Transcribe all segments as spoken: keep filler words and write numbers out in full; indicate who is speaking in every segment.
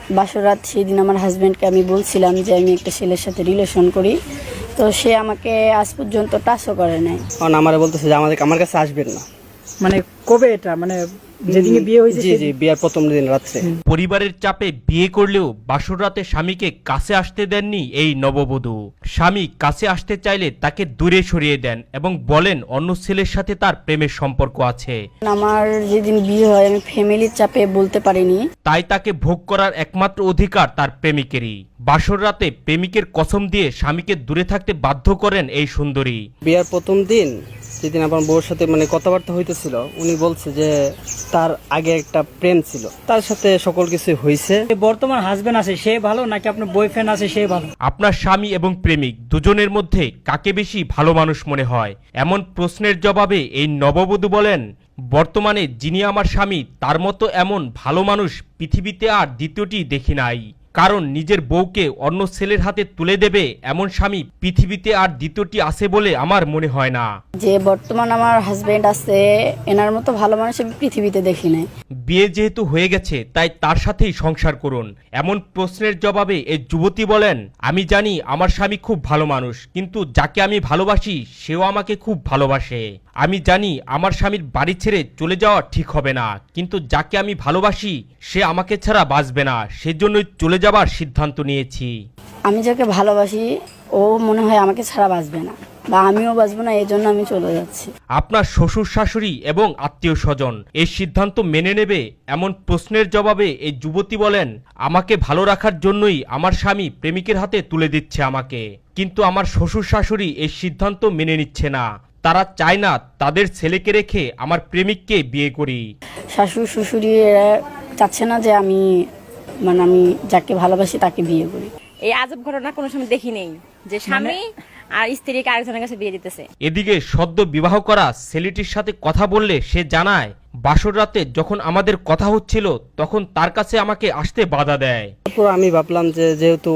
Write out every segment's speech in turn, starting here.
Speaker 1: বাসরাত সেদিন আমার হাজব্যান্ডকে আমি বলছিলাম যে আমি একটা ছেলের সাথে রিলেশন করি, তো সে আমাকে আজ পর্যন্ত টাচও করে নাই।
Speaker 2: কারণ আমার বলতেছে যে আমাদের আমার কাছে আসবেন না।
Speaker 3: মানে কবে এটা, মানে যেদিনে বিয়ে হয়েছে?
Speaker 2: জি জি, বিয়ের প্রথম দিন রাত্রে।
Speaker 4: পরিবারের চাপে বিয়ে করলেও বাসর রাতে স্বামীকে কাছে আসতে দেননি এই নববধূ। স্বামী কাছে আসতে চাইলে তাকে দূরে সরিয়ে দেন এবং বলেন অন্য ছেলের সাথে তার প্রেমের সম্পর্ক আছে।
Speaker 1: আমার যেদিন বিয়ে হয় আমি ফ্যামিলির চাপে বলতে পারিনি,
Speaker 4: তাই তাকে ভোগ করার একমাত্র অধিকার তার প্রেমিকেরই। বাসর রাতে প্রেমিকের কসম দিয়ে স্বামীকে দূরে থাকতে বাধ্য করেন এই সুন্দরী।
Speaker 2: বিয়ের প্রথম দিন যেদিন আমার বউর সাথে মানে কথাবার্তা হইতেছিল, উনি বলছে যে তার আগে একটা প্রেম ছিল, তার সাথে সকল কিছু হয়েছে।
Speaker 3: বর্তমান হাজবেন্ড আছে সে ভালো নাকি আপনার বয়ফ্রেন্ড আছে সে ভালো?
Speaker 4: আপনার স্বামী এবং প্রেমিক দুজনের মধ্যে কাকে বেশি ভালো মানুষ মনে হয়? এমন প্রশ্নের জবাবে এই নববধূ বলেন, বর্তমানে যিনি আমার স্বামী তার মতো এমন ভালো মানুষ পৃথিবীতে আর দ্বিতীয়টি দেখি নাই। কারণ নিজের বউকে অন্য ছেলের হাতে তুলে দেবে এমন স্বামী পৃথিবীতে আর দ্বিতীয়টি আছে বলে আমার মনে হয় না।
Speaker 1: যে বর্তমান আমার হাজব্যান্ড আছে এনার মতো ভালো মানুষ আমি পৃথিবীতে দেখি নাই।
Speaker 4: বিয়ে যেহেতু হয়ে গেছে তাই তার সাথেই সংসার করুন। এমন প্রশ্নের জবাবে এই যুবতী বলেন, আমি জানি আমার স্বামী খুব ভালো মানুষ, কিন্তু যাকে আমি ভালোবাসি সেও আমাকে খুব ভালোবাসে। আমি জানি আমার স্বামীর বাড়ি ছেড়ে চলে যাওয়া ঠিক হবে না, কিন্তু যাকে আমি ভালোবাসি সে আমাকে ছাড়া বাঁচবে না, সেজন্যই চলে যাবার সিদ্ধান্ত নিয়েছি।
Speaker 1: আমি যাকে ভালোবাসি ও মনে হয় আমাকে ছাড়া বাঁচবে না বা আমিও বাঁচবো না, এই জন্য আমি চলে যাচ্ছি।
Speaker 4: আপনার শ্বশুর শাশুড়ি এবং আত্মীয় স্বজন এই সিদ্ধান্ত মেনে নেবে? এমন প্রশ্নের জবাবে এই যুবতী বলেন, আমাকে ভালো রাখার জন্যই আমার স্বামী প্রেমিকের হাতে তুলে দিচ্ছে আমাকে, কিন্তু আমার শ্বশুর শাশুড়ি এই সিদ্ধান্ত মেনে নিচ্ছে না। তারা চায় না তাদের ছেলেকে রেখে আমার প্রেমিককে বিয়ে করি।
Speaker 1: শাশুড়ি শ্বশুরি এরা চাচ্ছে না যে আমি মানে আমি যাকে ভালোবাসি তাকে বিয়ে করি।
Speaker 5: এই আজব ঘটনা কোনো সময় দেখি নেই যে স্বামী আর স্ত্রীকে আরেকজনের কাছে বিয়ে দিতেছে।
Speaker 4: এদিকে সদ্য বিবাহ করা ছেলেটির সাথে কথা বললে সে জানায়, বাসর রাতে যখন আমাদের কথা হচ্ছিল তখন তার কাছে আমাকে আসতে বাধা দেয়।
Speaker 2: তারপর আমি ভাবলাম যে যেহেতু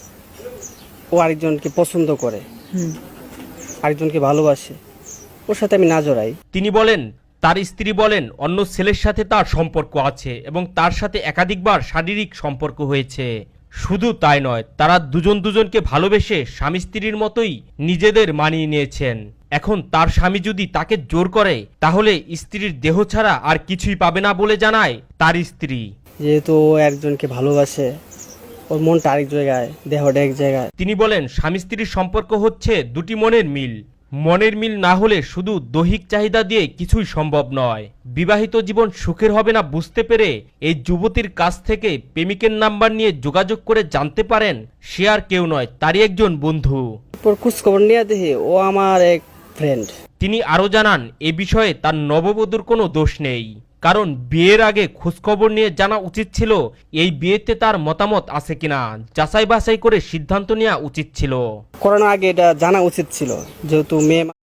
Speaker 2: ও আরেকজনকে পছন্দ করে, আরেকজনকে ভালোবাসে, ওর সাথে আমি না জড়াই।
Speaker 4: তিনি বলেন, তার স্ত্রী বলেন অন্য ছেলের সাথে তার সম্পর্ক আছে এবং তার সাথে একাধিকবার শারীরিক সম্পর্ক হয়েছে। শুধু তাই নয়, তারা দুজন দুজনকে ভালোবেসে স্বামী স্ত্রীর মতোই নিজেদের মানিয়ে নিয়েছেন। এখন তার স্বামী যদি তাকে জোর করে তাহলে স্ত্রীর দেহ ছাড়া আর কিছুই পাবে না বলে জানায় তার স্ত্রী।
Speaker 2: যেহেতু ও একজনকে ভালোবাসে, ওর মনটা আরেক জায়গায়, দেহটা এক জায়গায়।
Speaker 4: তিনি বলেন স্বামী স্ত্রীর সম্পর্ক হচ্ছে দুটি মনের মিল। মনের মিল না হলে শুধু দৈহিক চাহিদা দিয়ে কিছুই সম্ভব নয়। বিবাহিত জীবন সুখের হবে না বুঝতে পেরে এই যুবতীর কাছ থেকে প্রেমিকের নাম্বার নিয়ে যোগাযোগ করে জানতে পারেন সে আর কেউ নয়, তারই একজন বন্ধু।
Speaker 2: তারপর খোঁজখবর নিয়ে দেখি ও আমার এক ফ্রেন্ড।
Speaker 4: তিনি আরো জানান এ বিষয়ে তার নববধূর কোনো দোষ নেই, কারণ বিয়ের আগে খোঁজখবর নিয়ে জানা উচিত ছিল এই বিয়েতে তার মতামত আছে কিনা, যাচাই বাছাই করে সিদ্ধান্ত নেওয়া উচিত ছিল।
Speaker 2: করোনার আগে এটা জানা উচিত ছিল, যেহেতু মেয়ে